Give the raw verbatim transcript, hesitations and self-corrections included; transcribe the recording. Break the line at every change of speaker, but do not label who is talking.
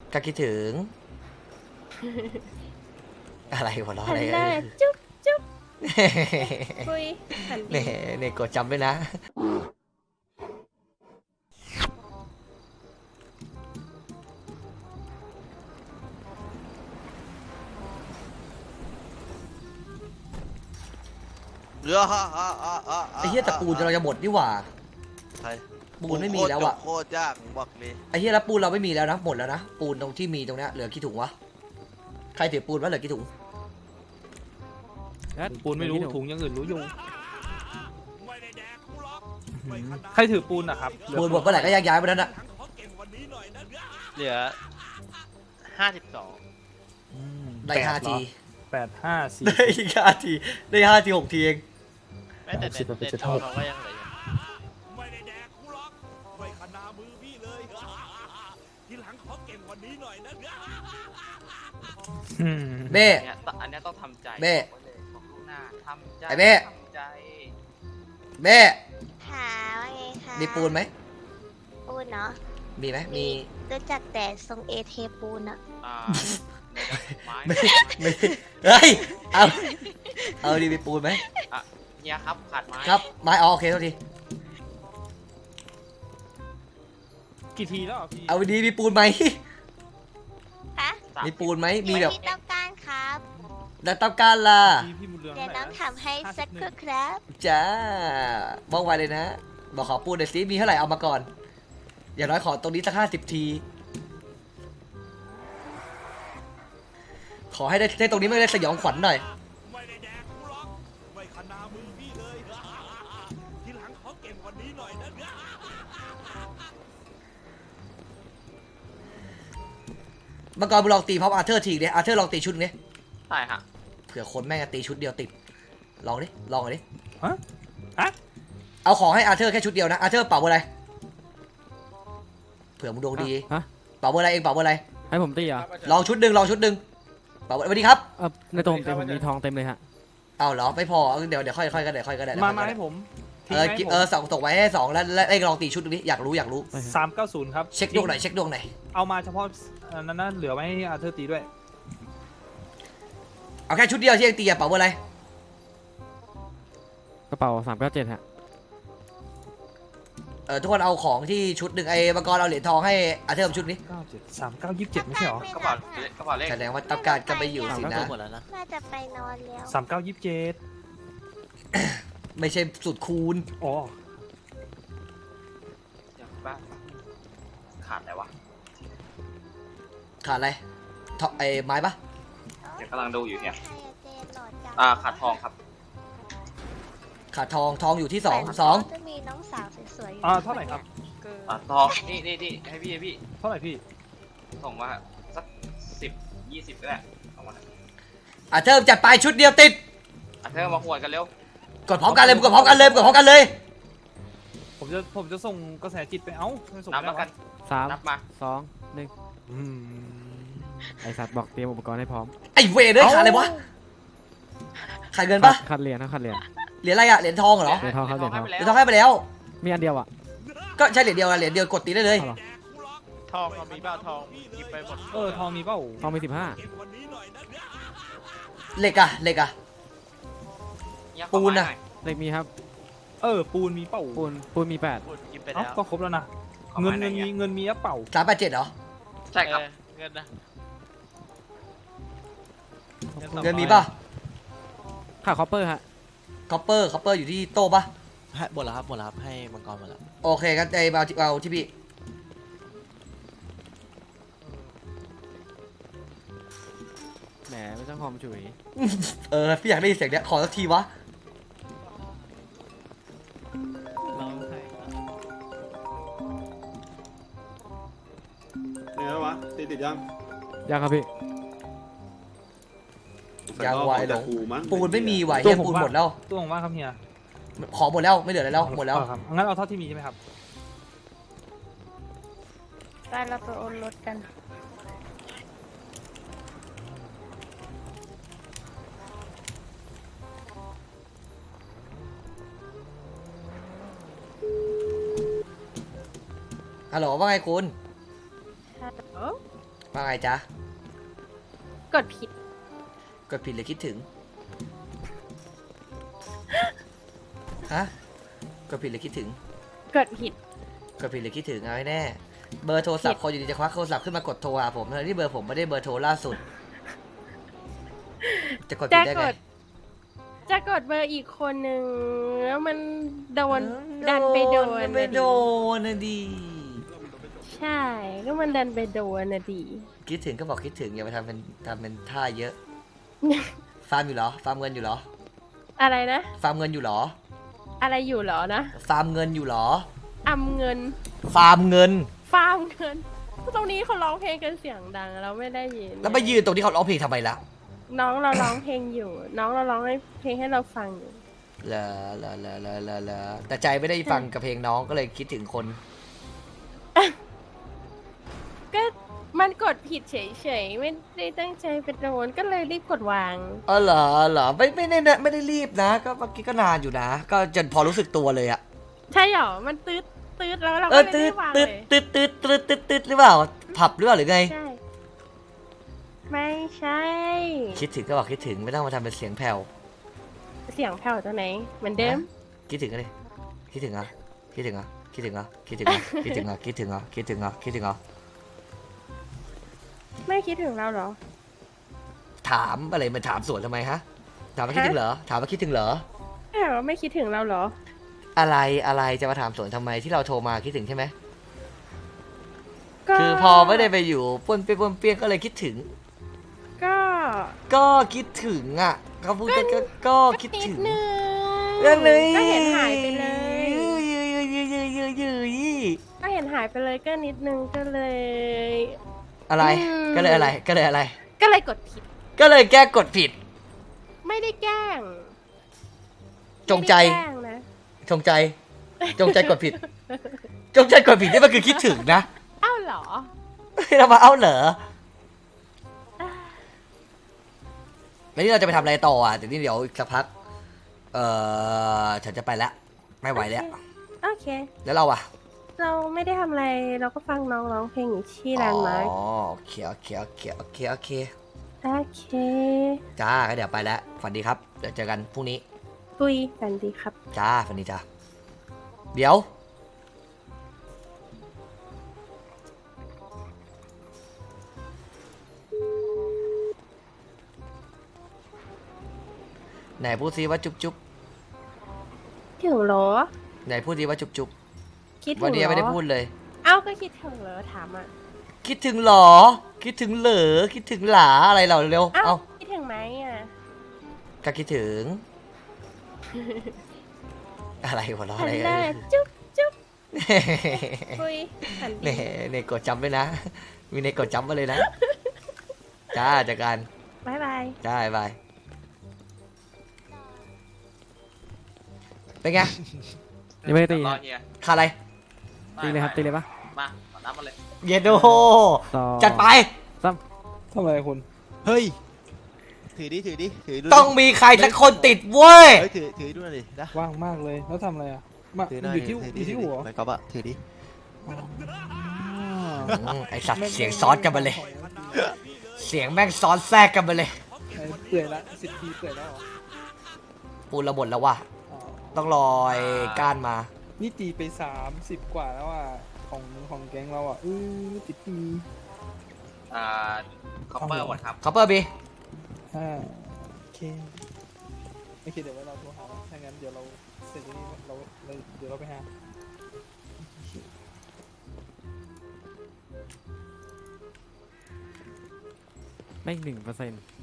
ก็คิดถึง อะไรหัวเราะอะไร
หันหน้าจุ๊บจุ๊บคุยหัน
เนี่ยเนี่ยกดจำด้วยนะไอ้เหี้ยแต่ปูนเราจะหมดนี่หว่าปูนไม่มีแล้วอะ
โคตรยากบอกเลย
ไอ้เหี้ยแล้วปูนเราไม่มีแล้วนะหมดแล้วนะปูนตรงที่มีตรงเนี้ยเหลือกี่ถุงวะใครถือปูนวะเหลือกี่ถุง
ปูนไม่รู้ถุงยังอื่นรู้อยู่ใครถือปูนอะครับ
ปูนหมดเมื่อไหร่ก็แยกย้ายไปนั้นอะ
เหลือห้าสิบสอง
ได้ห้าที
แปดห้าสี่
ได้ห้าทีได้ห้าทีหกทีเอง
แม้แต่ในในทองเราก็ยังเหลืออยู่
ไม่ได้แดกกูหรอกไม่ขนามือพี่เลย ทีหลังขอเก่งกว่านี้หน่อยนะ
เบ้
เนี่ยอันนี้ต้องทำใจ
เบ้
หน้าทำใจ
ไอ้เบ้
ทำใจ
เบ้
หาว่าไงคะ
มีปูนไหม
ปูนเนาะ
มีไหมมี
รู้จักแต่ทรงเอเทปูนอะ
อ่าไม้
ไม่ไม่เฮ้ยเอาเอาดีมีปูนไหม
อ่ะเนี่ยครับขาดไม้
ครับไม้อ๋อโอเคเท่าที
กี่ทีแล้วพี่
เอาดีมีปูนไหม
ฮะ
สาม
มีปูนไหมมีแบบ
ที่ต้องการครับ
แล้วต้องการล่ะ
ทีพี่มุนเรือง
เดี๋ยวน้อง
เท่าไหร่นะ
ทำให้สักครู่ครับ
จ้าบอกไว้เลยนะบอกขอปูนหน่อยสิมีเท่าไหร่เอามาก่อนอย่างน้อยขอตรงนี้สักห้าสิบทีขอให้ได้ได้ตรงนี้ไม่ได้สยองขวัญหน่อย
ไม่ได้แดกกูหรอกไม่ขนามือพี่เลย ทีหลังขอเก่งกว่านี้หน่อยนะ
เมื่อก่อนมึงลองตีพร้อมอาร์เธอร์ทีเนี่ยอาร์เธอร์ลองตีชุดนี้
ใช่ฮะ
เผื่อคนแม่งจะตีชุดเดียวติดลองดิลองหน่อยดิ
ฮะฮะ
เอาของให้อาร์เธอร์แค่ชุดเดียวนะอาร์เธอร์เป่าเบอร์อะไรเผื่อมึงดวงดี
ฮะ
เป่าเบอร์อะไรเองเป่าเบอร์อะไร
ให้ผมตีเหรอ
ลองชุดหนึ่งลองชุดหนึ่งเป่าเบอร์สวัสดีครับ
เออในตัวผมเต็มผมมีทองเต็มเลยฮะ
เอาเหรอไม่พอเดี๋ยวเดี๋ยวค่อยค่อยก็ได้ค่อยก็ได้
มามาให้ผม
เออเออส่งส่งไว้ให้สองแล้วแล้วเอ้ยลองตีชุดนี้อยากรู้อยากรู้
สามเก้าศูนย์ครับ
เช็คดวงหน่อยเช็คดวงหน่อย
เอามาเฉพาะอันนั้นนะเหลือไว้ให้อาเธอร์ตีด้วย
เอาแค่ชุดเดียวที่เองตีอะเป่าเบอร์อะไร
กระเป๋าสามเก้าเจ็ดฮะ
เออทุกคนเอาของที่ชุดหนึ่งไอ้มังกรเอาเหรียญทองให้อาร์เธอร์ชุดนี้
เก้าเจ็ดสามเก้ายี่สิบเจ็ดไม่ใช่เหรอ
กระเป๋ากระเป๋าเลข
แสดงว่าตับการก็ไปอยู่สินะ
น่าจะไปนอนแล้ว
สามเก้ายี่สิบเจ็ด
ไม่ใช่สุดคูณ
อ๋อ
เดี๋ยวบ้าขาดอะไรวะ
ขาดอะไรทอไอ้ไม้ปะ
เดี๋ยวกำลังดูอยู่เนี่ย
ใครอะเจนหลอดจัง
อ่าขาดทองครับ
ขาดทองทองอยู่ที่สองสอง
จะมีน้องสาวสวยๆอยู่
อ่าเท่าไหร่ครับ
อ่าทองนี่นี่นี่ให้พี่ให้พี่
เท่าไหร่พี่
ส่งมาสักสิบยี่สิบก็ได้เอามา
อาร์เธอร์จัดไปชุดเดียวติด
อ่ะเธอมาหวดกันเร็ว
กดพร้อมกันเลยกดพร้อมกันเลยกดพร้อมกันเลย
ผมจะผมจะส่งกระแสจิตไปเอ้าไม่ส่ง
นับ
ไม่
แล้ว
ได้
กั
วะ
น
สาม
นับมา
สองหนึ่ง
อืม
ไอสัตว์บอกเตรียมอุปกรณ์ให้พร้อม
ไอ้เวรเลยขาดอะไรวะขาดเงินปะ
คัดเหรียญนะคัดเหรียญ
เหรียญอะไรอะเหรียญทองเหรอ
เหรียญทองครับเหรียญทอง
เหรียญทองให้ไปแล้ว
มีอันเดียวอ่ะ
ก็ใช่เหรียญเดียวอะเหรียญเดียวกดตีได้เลย
เอาเหรอ
ทองเรามีเปล่าทองหยิบไปหมด
เออทองมีเปล่า
ทองมีสิบห้า
เหล็กอะเหล็กอะ
เนี่ย
ปูนอะ
ขอไม้หอย
เหล็กมีครับ
เออปูนมีเปล่า
ปูนปูนมีแปด
ปูนหยิบไป
เอ้า
แล้ว
ก็ครบแล้วนะ
ขอ
เงิน
ไม้ห
เงิ
อย
นมีเงินมีอะเปล่า
สามแปดเจ็ดเหรอ
ใช่ครับเงินนะ
เงินมีป่ะ
ค่าคอปเปอร์ฮะ
คอปเปอร์คอปเปอร์อยู่ที่โต๊ะป่ะ
ให้หมดแล้วครับหมดแล้วครับให้มังกรหมดแล้ว
โอเคงั้นไอ้เอาที่เอาที่พี่
แหมไม่ต้องหอมฉุย
เออพี่อยากได้ยินเสียงเนี้ยขอสักทีวะ
เป็นไงวะติดติดยัง
ยังครับพี่
ยังไหวหลง
ปูมั้ง
ปูนไม่มีไหวเฮียปูนหมดแล้ว
ตัวของว่าครับเฮีย
ขอหมดแล้วไม่เหลืออะไรแล้วหมดแล้ว
เออครับงั้นเอาเท่าที่มีใช่ไหมครับ
ไปเราไปโอนรถกัน
ฮัลโหลว่าไงคุณ
ฮัลโหล
ว่าว่าไงจ๊ะ
กดผิด
กดผิดหรือคิดถึง ฮะ กดผิดหรือคิดถึง
กดผิด
กดผิดหรือคิดถึงเอาให้แน่ เบอร์โทรศัพท์คนอยู่ดีจะควักโทรศัพท์ขึ้นมากดโทรหาผมทั้งที่เบอร์ผมไม่ได้เบอร์โทรล่าสุด จะกดผิ
จะ
ดได้
ก
ไง
ด จะกดเบอร์อีกคนหนึ่งแล้วมันโดนดันไปโดน
ไปโดนนะดี
ใช่ ก็มันดันไปโดนนะดี
คิดถึงก็บอกคิดถึงอย่าไปทำเป็นทำเป็นท่าเยอะ ฟาร์มอยู่เหรอ ฟาร์มเงินอยู่เหรอ
อะไรนะ
ฟาร์มเงินอยู่เหรอ
อะไรอยู่เหรอนะ
ฟาร์มเงินอยู่เหรอ
อำเงิน
ฟาร์มเงิน
ฟาร์มเงิน ตรงนี้เขาร้องเพลงกันเสียงดังเราไม่ได้ยิน
แล้วไปยืนตรงที่เขาร้องเพลงทำไมล่ะ
น้องเราร้องเพลงอยู่ น้องเราร้องให้เพลงให้เราฟังอยู่
ลาลาลาลาลาลาแต่ใจไม่ได้ฟังกับเพลงน้องก็เลยคิดถึงคน
ก็มันกดผิดเฉยๆ ไม่ได้ตั้งใจไปโดนก็เลยรีบกดวาง
เออเหรอเหรอไม่ไม่ได้นะไม่ได้รีบนะ ก็เมื่อกี้ก็นานอยู่นะ ก็จนพอรู้สึกตัวเลยอะ
ใช่หรอ มันตืดตืดแล้วเรา
เอ
ก็
อ
เลย
ตื
รี
ด
บวาง
ตื
เล
ด
ย
ตืดตืดตืดตืดตืดหรือเปล่าผับหรือเปล่าหรือไง
ใช่ ไม่ใช่
คิดถึงก็บอกคิดถึงไม่ต้องมาทำเป็นเสียงแผ่ว
เสียงแผ่วตัวไหน เหมือนเดิม
คิดถึงก็เลยคิดถึงอ่ะคิดถึงอ่ะคิดถึงอ่ะคิดถึงอ่ะคิดถึงอ่ะคิดถึงอ่ะคิดถึงอ่ะคิดถึงอ่ะ
ไม่คิดถึงเราเหรอ
ถามอะไรมันถามสวนทำไมฮะถามว่าคิดถึงเหรอถามว่าคิดถึงเหรอ
แต่ว่าไม่คิดถึงเราเหรอ
อะไรอะไรจะมาถามสวนทำไมที่เราโทรมาคิดถึงใช่ไหม
ก็
คือพอไม่ได้ไปอยู่ป้วนเปี้ยนป้วนเปี้ยนก็เลยคิดถึง
ก็
ก็คิดถึงอ่ะเขาพูดก็ก็ก็คิด
นิ
ถึ
ด
ง
นึง
ก็เลย
ก็เห็นหายไปเลย
ยืยยืยยืยยืยยืยยืย
ก็เห็นหายไปเลยก็นิดนึงก็เลย
อะไร
อืม
ก็เลยอะไรก็เลยอะไร
ก็เลยกดผิด
ก็เลยแก้กดผิด
ไม่ได้แกล้ง
จงใจ
ไม่ได้แกล้งนะ
จงใจ จงใจกดผิด จงใจกดผิดนี่มันคือคิดถึงนะ
เอ้าเหรอ
เรามาเอาเหรอแล้วนี่เราจะไปทำอะไรต่ออ่ะเดี๋ยวนี้เดี๋ยวอีกสักพัก เออฉันจะไปแล้ว ไม่ไหวแล้ว
โอเค
แล้วเราอ่ะ
เราไม่ได้ทำอะไร เราก็ฟังน้องร้องเพลงอยู่ที่แลนด์มาร์ค
อ๋อโอเคโอเคโอเคโอเคโอเค
โอเค
จ้าก็เดี๋ยวไปแล้วฝันดีครับ เดี๋ยวเจอกันพรุ่งนี้
ปุยกันดีครับ
จ้าฝันดีจ้าเดี๋ยว ไหนพูดซิว่าจุ๊บจุ๊บ
ถึงเหรอ
ไหนพูดซิว่าจุ๊บจุ๊บ
คิดถึ
วัน
ง
นี้
เหร
ยังไม่ได้
อ
พูดเลย
เอ้าก็คิดถึงเหรอถามอ่ะ
คิดถึงเหรอ คิดถึงเหรอคิดถึงหลาอะไรเราเร็ว
เอ้า
เอา
คิดถึงไหมอ่ะ
ก็คิดถึง อะไรหัวเราะ
หั
อะไร
นหน้าจุ๊บจุ๊บปุยหัน
เน่
ดี
เน่กดจำไว้นะ มีเน่กดจำมาเลยนะ จ้าจากกัน
บายบาย
จ้าบ๊ายบายเป็นไง
ยังไม่ได้ตี
รอ
ฮะ
เฮีย
ขาดอะไร
ตีเลยครับตีเลยปะ
มาขอนับมาเลย
เยโด
สอง
จัดไป
ทำไมคุณ
เฮ้ย ถือดิ ถือดิ ถือดูดิ
ต้องมีใครสักคนติดเว้ย
เฮ้ย ถือ ถือดูหน่อยดินะ
ว่างมากเลย แล้วทำอะไรอ่ะ มา
ถือหน่อย
อยู่ที่
ถือ
อ
ดิ
ยู่ที่หัว
ไม่ก๊อฟอะถือดิ
อ๋อ
อืมไอสัตว์เสียงซ้อนกันมาเลย เสียงแม่งซ้อนแทรกกันมาเลย
ไอ้เปื่อยละสิบทีเปื่อยแล้วเหรอ
ปูนระบดแล้วว่ะ
อ๋อ
ต้องรอไอ้ก้านมา
นี่ตีไปสามสิบกว่าแล้วอ่ะ ของของแก๊งเราอ่ะอือติดตี
อ่าคอปเปอร์หมดครับ
คอปเปอร์บี
อ่าโอเคโอเคเดี๋ยวไว้เราโทรหาถ้างั้นเดี๋ยวเราเสร็จจากนี้เราเราเดี๋ยวเราไปหา
ไม่หนึ่งเปอร์เซ็นต์